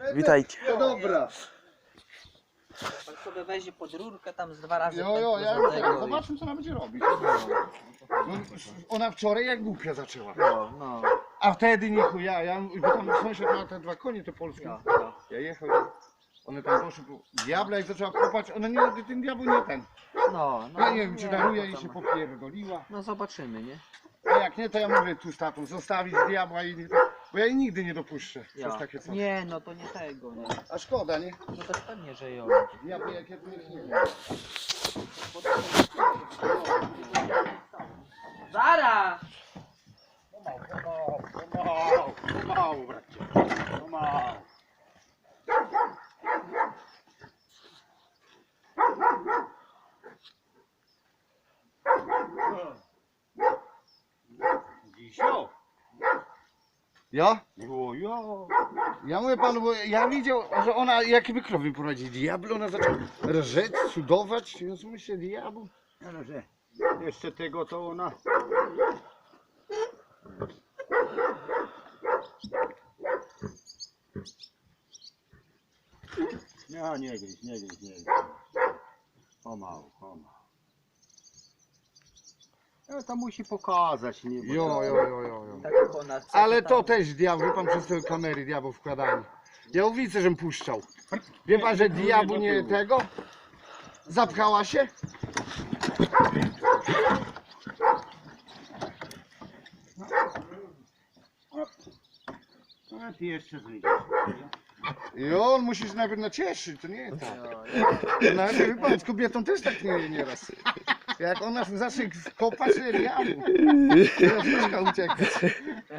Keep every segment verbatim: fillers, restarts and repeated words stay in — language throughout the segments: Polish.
Witajcie. No dobra. Pan sobie weźmie pod rurkę tam z dwa razy. Jo, jo, pętlo ja za już tego teraz i- zobaczmy co ona będzie robić. No, ona wczoraj jak głupia zaczęła. No, no. A wtedy nie chuja, ja, bo tam sąsiad ma te dwa konie te polskie. Ja, ja. Ja jechał, one tam poszły, bo diabla jak zaczęła kopać, ona nie, ten diabeł nie ten. No, no. Ja nie wiem czy daruje to i tam- się popierdoliła. No zobaczymy, nie? A jak nie, to ja mówię tu z tatą, zostawić diabła i nie, bo ja jej nigdy nie dopuszczę Ja. przez takie coś. Nie, no to nie tego, nie. A szkoda, nie? No to pewnie, że ją. Diabły jak ja tu nie wiem. Zara! Pomału, pomału, pomału, pomału, bracie. Pomału. Dzisio? Ja? Jo, jo. Ja mówię panu, bo ja widział, że ona jakie krowy prowadzi. Diablo, ona zaczęła rżeć, cudować. Ja sobie myślę, diabł. Ale że jeszcze tego to ona... No nie gryź, nie gryź, nie gryź. Pomału, pomału. No to musi pokazać, nie? Bo Jo, jo, jo, jo, jo. Tak jak ona chce, Ale tam- to też diabł, wie pan, przez te kamery diabł wkładali. Ja widzę, żem puszczał. Wie pan, że diabł nie tego? Zapchała się? A ty jeszcze zryjesz. I on musi się najpierw nacieszyć, to nie tak. Jo, jo. Nawet wie pan, z kobietą też tak nie nieraz. Jak ona zacznie kopać, to diabł. Teraz myszka uciekać.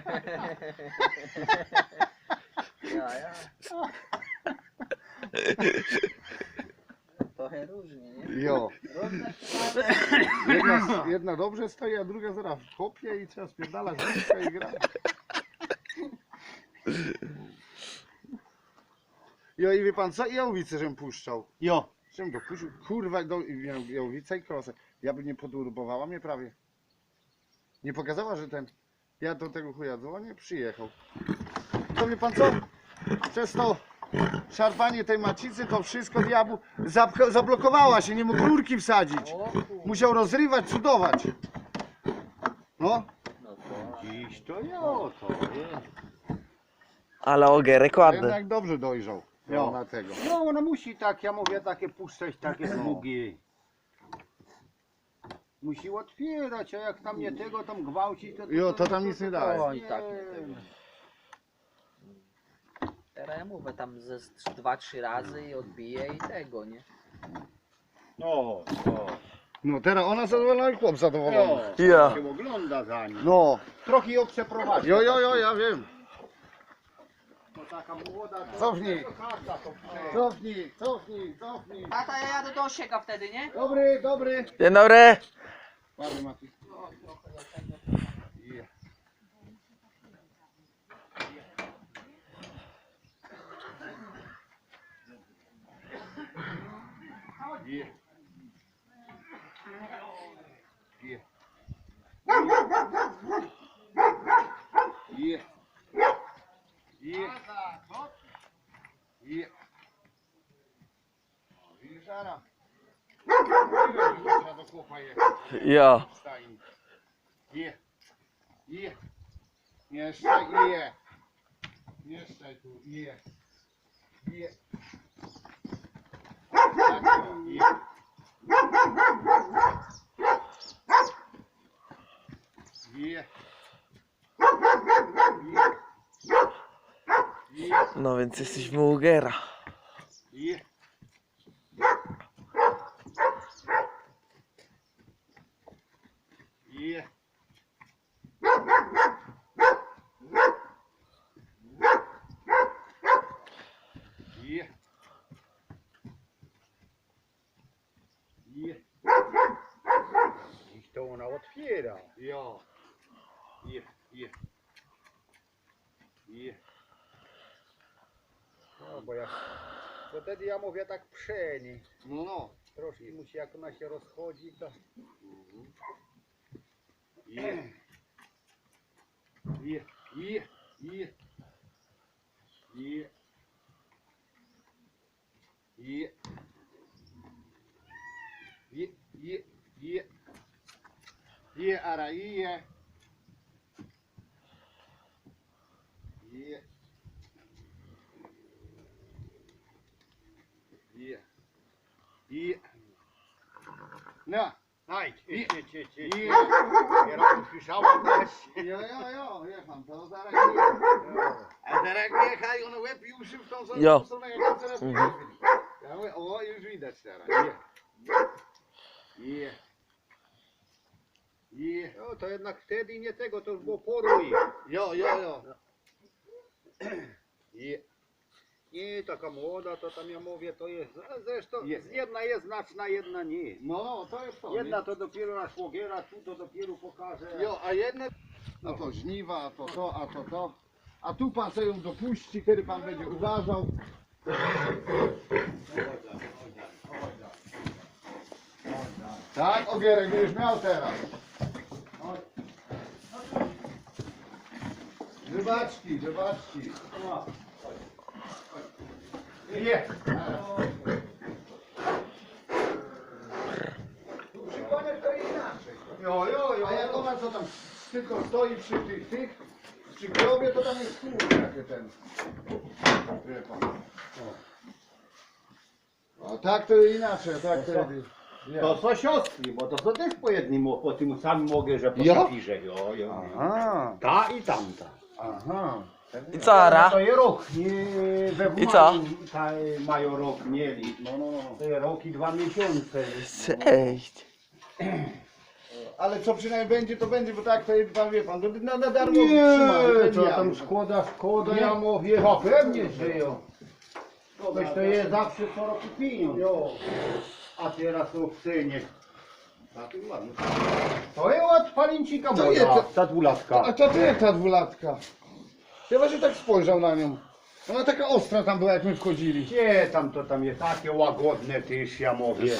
Ja, ja. Trochę różnie, nie? Jo. Różne Jedna, jedna dobrze stoi, a druga zaraz kopie i trzeba spierdalać myszka i gra. Jo i wie pan co? I jałowicę żem puszczał. Jo. Żem go puścił, kurwa, do, i miał jałowica i krosę. Ja by nie podurbowała mnie prawie. Nie pokazała, że ten... Ja do tego chuja dzwonię, przyjechał. To wie pan co? Przez to szarpanie tej macicy, to wszystko diabłu zapcha- zablokowała się, nie mógł rurki wsadzić. O, kur- Musiał rozrywać, cudować. No. no to... Dziś to jo, to jest. Ale ogerek ładny. Jednak dobrze dojrzał. Jo. No, na tego. No ona musi tak, ja mówię, takie puszczać, takie No. smugi. Musi otwierać, a jak tam nie tego, tam gwałci, to... Jo, to tam nic nie daje. Oj, tak nie tego. Teraz ja mówię tam ze z dwa, trzy razy i odbije i tego, nie? No, no. No teraz ona zadowolona i chłop zadowolony. No, Ja. się ogląda za nim. No. Trochę ją przeprowadzi. Jo, jo, jo, ja wiem. To taka młoda, to... Cofnij. to każda to prze- Cofnij, cofnij, cofnij. Tata, ja jadę do osieka wtedy, nie? Dobry, dobry. Dzień dobry. Ładny Mati. No, trochę do tego. Je. Je. Je. Je. Je. Je. O, widzisz, Ara? Mówiłem, że trzeba do chłopa jechać. Ja. Stajni. Je. Je. Jeszcze je. Jeszcze tu je. Je. Tak, je. Je. Je. No więc jesteśmy u Ugera. Je. Je. Je. Je. Dziś to ona otwiera. Jo. Je. Je. Je. No bo jak... Bo wtedy ja mówię tak przeni. No, no. Troszkę musi, jak ona się rozchodzi, to... Je. Je. Je. Je. Je. Je. Je, je, je. Je, ara, je. Je. Je. Je. No. Aj, Je. idź, idź, idź, idź. Je. Ja raz usłyszałem też. Jo, jo, jo, wie pan, to zaraz je. A teraz jechaj, on łeb i uszy w tą samą Jo. stronę, jak on teraz Mhm. ja mówię, o, już widać teraz. Je. Je. Je. No to jednak wtedy nie tego, to już było porój. Jo, jo, jo. Je. Nie, taka młoda, to tam ja mówię, to jest, a zresztą Jest. jedna jest znaczna, jedna nie. No, no, to jest to. Jedna to dopiero na szłogiera, tu to dopiero pokaże. nie? Jo, a jedne... No to żniwa, a to to, a to to. A tu pan sobie ją dopuści, kiedy pan będzie uważał. Tak, Ogierek będziesz miał teraz. Rybaczki, rybaczki. Nie. Tu przy koniach to inaczej. Jo, jo, jo. A jak ona co tam tylko stoi przy tych, tych, przy grobie, to tam jest kurde takie ten. Wie pan. O tak to inaczej, tak to jest. To są siostry, bo to są też po jednym, po tym samym mogę, że po Ja? papirze, jo, jo. Aha, Ta i tamta. aha. I co, Ara? To jest rok, nie we I co? Ta, mają rok mieli. No, no, no. To jest rok i dwa miesiące. Cześć. Ale co przynajmniej będzie, to będzie, bo tak to jest, pan wie pan, żeby na, na darmo Nie, trzymać. to tam szkoda, szkoda, ja mówię, no pewnie, że jo. Weź to jest zawsze co roku pieniądz. Jo. A teraz to w cenie. To jest od palincika To moja, jest to- ta dwulatka. A to ty ta dwulatka. Ja właśnie tak spojrzał na nią. Ona taka ostra tam była, jak my wchodzili. Gdzie tam to tam jest takie łagodne też, ja mówię.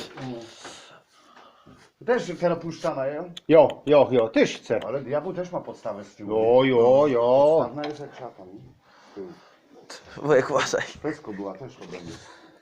Też teraz puszczana, ja? Jo, jo, jo, też chcę. Ale diabeł też ma podstawę z tyłu. Jo, jo, jo. Podstawna jest jak szatan. Wujek, uważaj. Wszystko była, też to będzie.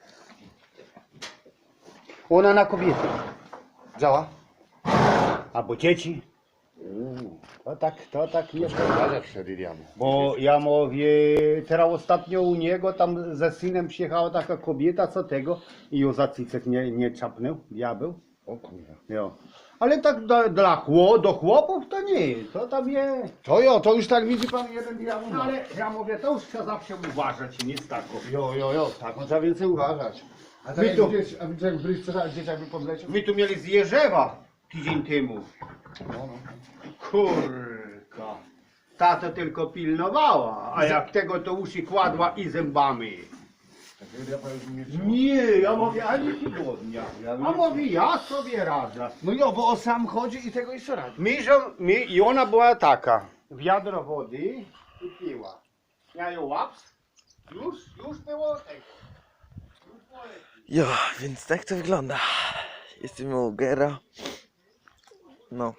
Ona na kobiety. Działa? Albo dzieci. To tak, to tak nie. Zdarza wtedy diabeł. Bo ja mówię, teraz ostatnio u niego tam ze synem przyjechała taka kobieta, co tego i ją za cycek nie, nie czapnął, diabeł. O kurwa. Jo. Ale tak do, dla chło, do chłopów to nie, to tam jest. To jo, to już tak widzi pan jeden diabeł. No ale ja mówię, to już trzeba zawsze uważać, nic takiego. Jo, jo, jo, tak, no trzeba więcej uważać. A tak My jak tu- gdzieś, a widzicie jak byliście, że dzieciak by podleciał? My tu mieli z Jerzewa tydzień temu. No, no. Kurka. Ta to tylko pilnowała, a jak tego to uszy kładła i zębami. Takiego diabła już nie trzeba. Nie, ja mówię, ani tygodnia. A mówię, ja sobie radzę. No jo, bo o sam chodzi i tego jeszcze radzi. Mi, że, mi, I ona była taka. Wiadro wody i piła. Ja ją łaps. Już, już było tego. Już było lepiej. Jo, więc tak to wygląda. Jesteśmy u Gera. No.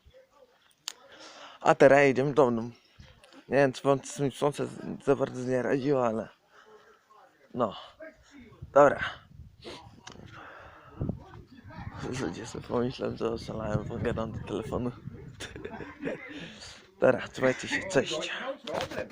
A teraz jedziemy do domu. Nie wiem, czy wam z tym słońce za bardzo nie radziło, ale... No. Dobra. Ludzie sobie pomyślą, że oszalałem, bo gadam do telefonu. Dobra, trzymajcie się, cześć.